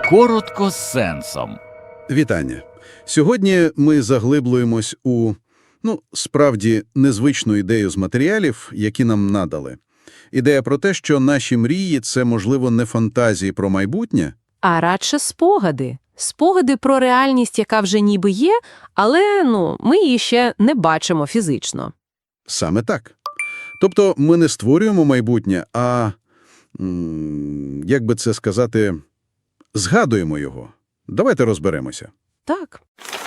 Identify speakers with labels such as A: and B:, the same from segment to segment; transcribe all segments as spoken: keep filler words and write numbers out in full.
A: Коротко з сенсом.
B: Вітання. Сьогодні ми заглиблюємось у, ну, справді, незвичну ідею з матеріалів, які нам надали. Ідея про те, що наші мрії – це, можливо, не фантазії про майбутнє,
C: А радше спогади. Спогади про реальність, яка вже ніби є, але, ну, ми її ще не бачимо фізично.
B: саме так. Тобто ми не створюємо майбутнє, а, м, як би це сказати, згадуємо його. Давайте розберемося.
C: Так.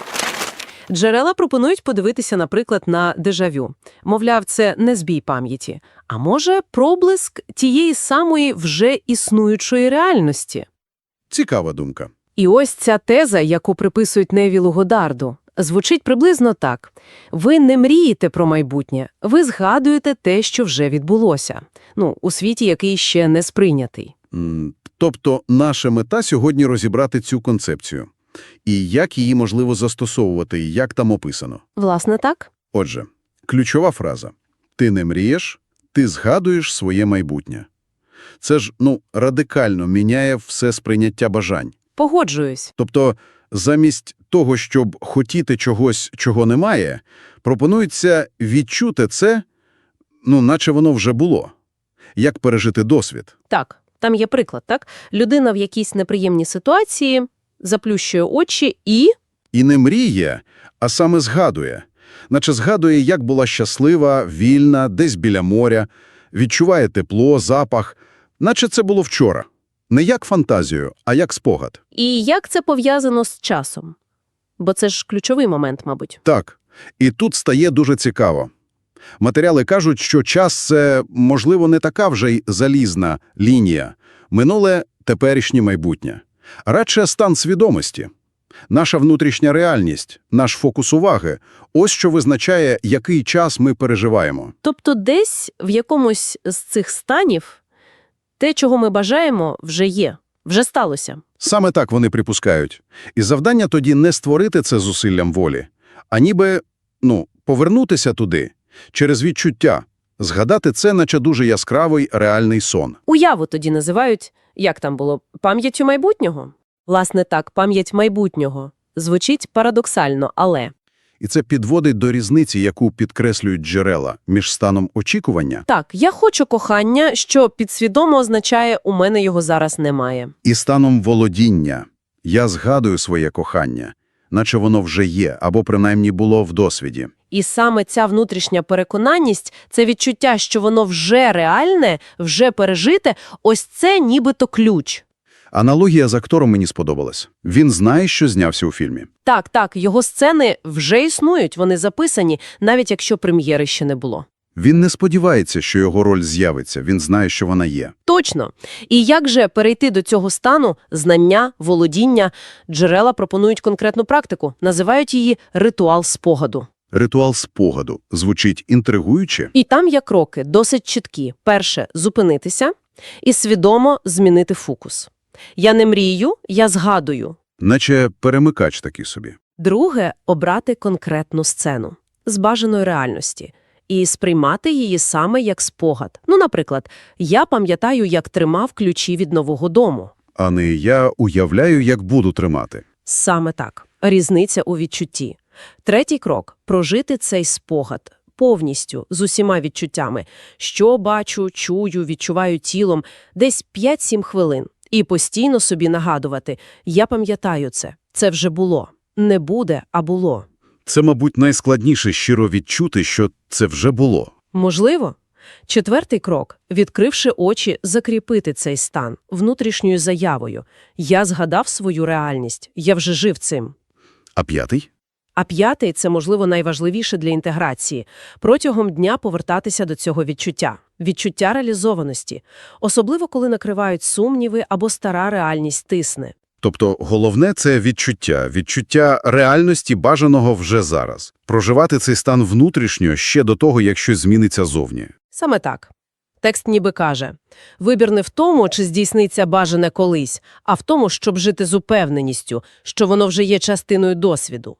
C: Джерела пропонують подивитися, наприклад, на дежавю. Мовляв, це не збій пам'яті, а може проблиск тієї самої вже існуючої реальності.
B: Цікава думка.
C: І ось ця теза, яку приписують Невілу Годарду, звучить приблизно так. Ви не мрієте про майбутнє, ви згадуєте те, що вже відбулося. Ну, у світі, який ще не сприйнятий.
B: М, Тобто наша мета сьогодні розібрати цю концепцію. І як її можливо застосовувати, і як там описано.
C: Власне, так.
B: Отже, ключова фраза. Ти не мрієш, ти згадуєш своє майбутнє. Це ж, ну, радикально міняє все сприйняття бажань.
C: Погоджуюсь.
B: Тобто, замість того, щоб хотіти чогось, чого немає, пропонується відчути це, ну, наче воно вже було. Як пережити досвід.
C: Так, там є приклад, так? Людина в якійсь неприємній ситуації заплющує очі і...
B: І не мріє, а саме згадує. Наче згадує, як була щаслива, вільна, десь біля моря, відчуває тепло, запах, наче це було вчора. Не як фантазію, а як спогад.
C: І як це пов'язано з часом? Бо це ж ключовий момент, мабуть.
B: Так. І тут стає дуже цікаво. Матеріали кажуть, що час – це, можливо, не така вже й залізна лінія. Минуле – теперішнє майбутнє. Радше стан свідомості. Наша внутрішня реальність, наш фокус уваги – ось що визначає, який час ми переживаємо.
C: Тобто десь в якомусь з цих станів те, чого ми бажаємо, вже є, вже сталося.
B: Саме так вони припускають. І завдання тоді не створити це зусиллям волі, а ніби, ну, повернутися туди, через відчуття, згадати це, наче дуже яскравий реальний сон.
C: Уяву тоді називають, як там було, пам'яттю майбутнього? Власне так, пам'ять майбутнього. Звучить парадоксально, але...
B: І це підводить до різниці, яку підкреслюють джерела між станом очікування
C: Так, я хочу кохання, що підсвідомо означає «у мене його зараз немає».
B: і станом володіння. Я згадую своє кохання, наче воно вже є, або принаймні було в досвіді.
C: І саме ця внутрішня переконаність, це відчуття, що воно вже реальне, вже пережите, ось це нібито ключ.
B: Аналогія з актором мені сподобалась. Він знає, що знявся у фільмі.
C: Так, так, його сцени вже існують, вони записані, навіть якщо прем'єри ще не було.
B: Він не сподівається, що його роль з'явиться, він знає, що вона є.
C: Точно. І як же перейти до цього стану, знання, володіння? Джерела пропонують конкретну практику, називають її ритуал спогаду.
B: Ритуал спогаду звучить інтригуюче.
C: І там є кроки, досить чіткі. Перше – зупинитися і свідомо змінити фокус. Я не мрію, я згадую.
B: Наче перемикач такий собі.
C: Друге – обрати конкретну сцену з бажаної реальності і сприймати її саме як спогад. Ну, наприклад, я пам'ятаю, як тримав ключі від нового дому.
B: А не я уявляю, як буду тримати.
C: Саме так. Різниця у відчутті. Третій крок – прожити цей спогад повністю, з усіма відчуттями. Що бачу, чую, відчуваю тілом. Десь п'ять-сім хвилин. І постійно собі нагадувати – я пам'ятаю це, це вже було. Не буде, а було.
B: Це, мабуть, найскладніше щиро відчути, що це вже було.
C: Можливо. Четвертий крок – відкривши очі, закріпити цей стан внутрішньою заявою. Я згадав свою реальність, я вже жив цим.
B: А п'ятий?
C: А п'ятий – це, можливо, найважливіше для інтеграції. Протягом дня повертатися до цього відчуття. Відчуття реалізованості. Особливо, коли накривають сумніви або стара реальність тисне.
B: Тобто головне – це відчуття. Відчуття реальності бажаного вже зараз. Проживати цей стан внутрішньо ще до того, як щось зміниться зовні.
C: Саме так. Текст ніби каже, вибір не в тому, чи здійсниться бажане колись, а в тому, щоб жити з упевненістю, що воно вже є частиною досвіду.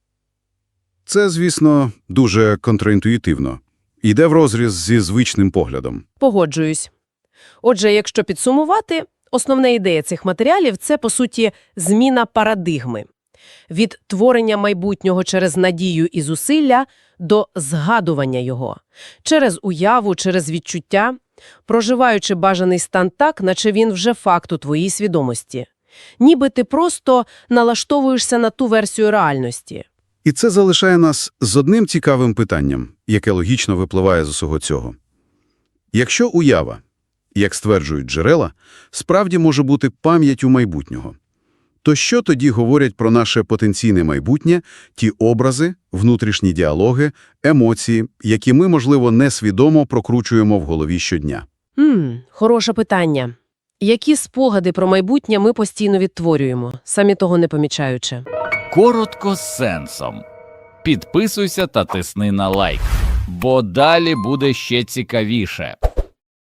B: Це, звісно, дуже контрінтуїтивно. Йде врозріз зі звичним поглядом.
C: Погоджуюсь. Отже, якщо підсумувати, Основна ідея цих матеріалів – це, по суті, зміна парадигми. Від творення майбутнього через надію і зусилля до згадування його. Через уяву, через відчуття, проживаючи бажаний стан так, наче він вже факт у твоїй свідомості. Ніби ти просто налаштовуєшся на ту версію реальності.
B: І це залишає нас з одним цікавим питанням, яке логічно випливає з усього цього. Якщо уява, як стверджують джерела, справді може бути пам'яттю майбутнього, то що тоді говорять про наше потенційне майбутнє, ті образи, внутрішні діалоги, емоції, які ми, можливо, несвідомо прокручуємо в голові щодня?
C: Ммм, хороше питання. Які спогади про майбутнє ми постійно відтворюємо, самі того не помічаючи?
A: Коротко з сенсом. Підписуйся та тисни на лайк, бо далі буде ще цікавіше.